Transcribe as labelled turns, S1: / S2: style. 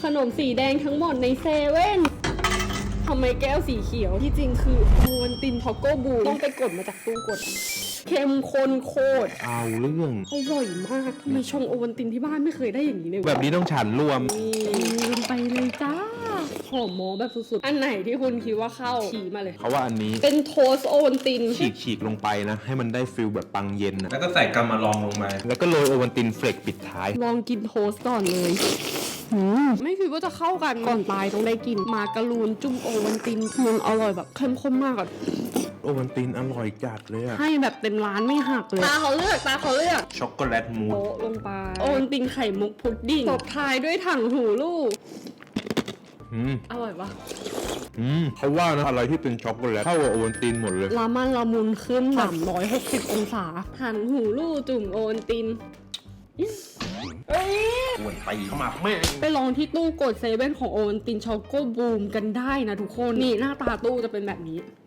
S1: ขนมสีแดงทั้งหมดในเซเว่นทำไมแก้วสีเขียวที่จริงคือโอวัลตินช็อกโกบูต้องไปกดมาจากตู้กดเข้มข้นโคตร
S2: เอาเรื่อง
S1: อร่อยมากทำไมชงโอวัลตินที่บ้านไม่เคยได้อย่างนี้เลย
S2: แบบนี้ต้องฉันรวม
S1: ลงไปเลยจ้าหอมหมอแบบสุดๆอันไหนที่คุณคิดว่าเข้าชี้มาเลย
S2: เขาว่าอันนี้
S1: เป็นโทสโอวัลติน
S2: ฉีกลงไปนะให้มันได้ฟิลแบบปังเย็นนะ
S3: แล้วก็ใส่กัมมาลองลงมา
S2: แล้วก็โรยโอวัลตินเฟลกปิดท้าย
S1: ลองกินโทสก่อนเลยไม่คิดว่าจะเข้ากันก่อนตายต้องได้กินมาการูนจุ่มโอวัลตินมันอร่อยแบบเข้มข้นมากอ่ะ
S2: โอวัลตินอร่อยจัดเลยอะ
S1: ให้แบบเต็มร้านไม่หักเลยตาเขาเลือก
S2: ช็อกโกแลตมูส
S1: โปะลงไปโอวัลตินไข่มุกพุดดิ้งตบท้ายด้วยถังหูลูกอร่อยปะ
S2: เขาว่านะอะไรที่เป็นช็อกโกแลตเข้ากับโอวัลตินหมดเลย
S1: ละมันละมุนขึ้น360องศาถังหูลูกจุ่มโอวัลติน
S2: อ้วนไปเข้ามาแม่
S1: ไปลองที่ตู้กดเซเว่นของโอวัลตินช็อกโกบูมกันได้นะทุกคนนี่หน้าตาตู้จะเป็นแบบนี้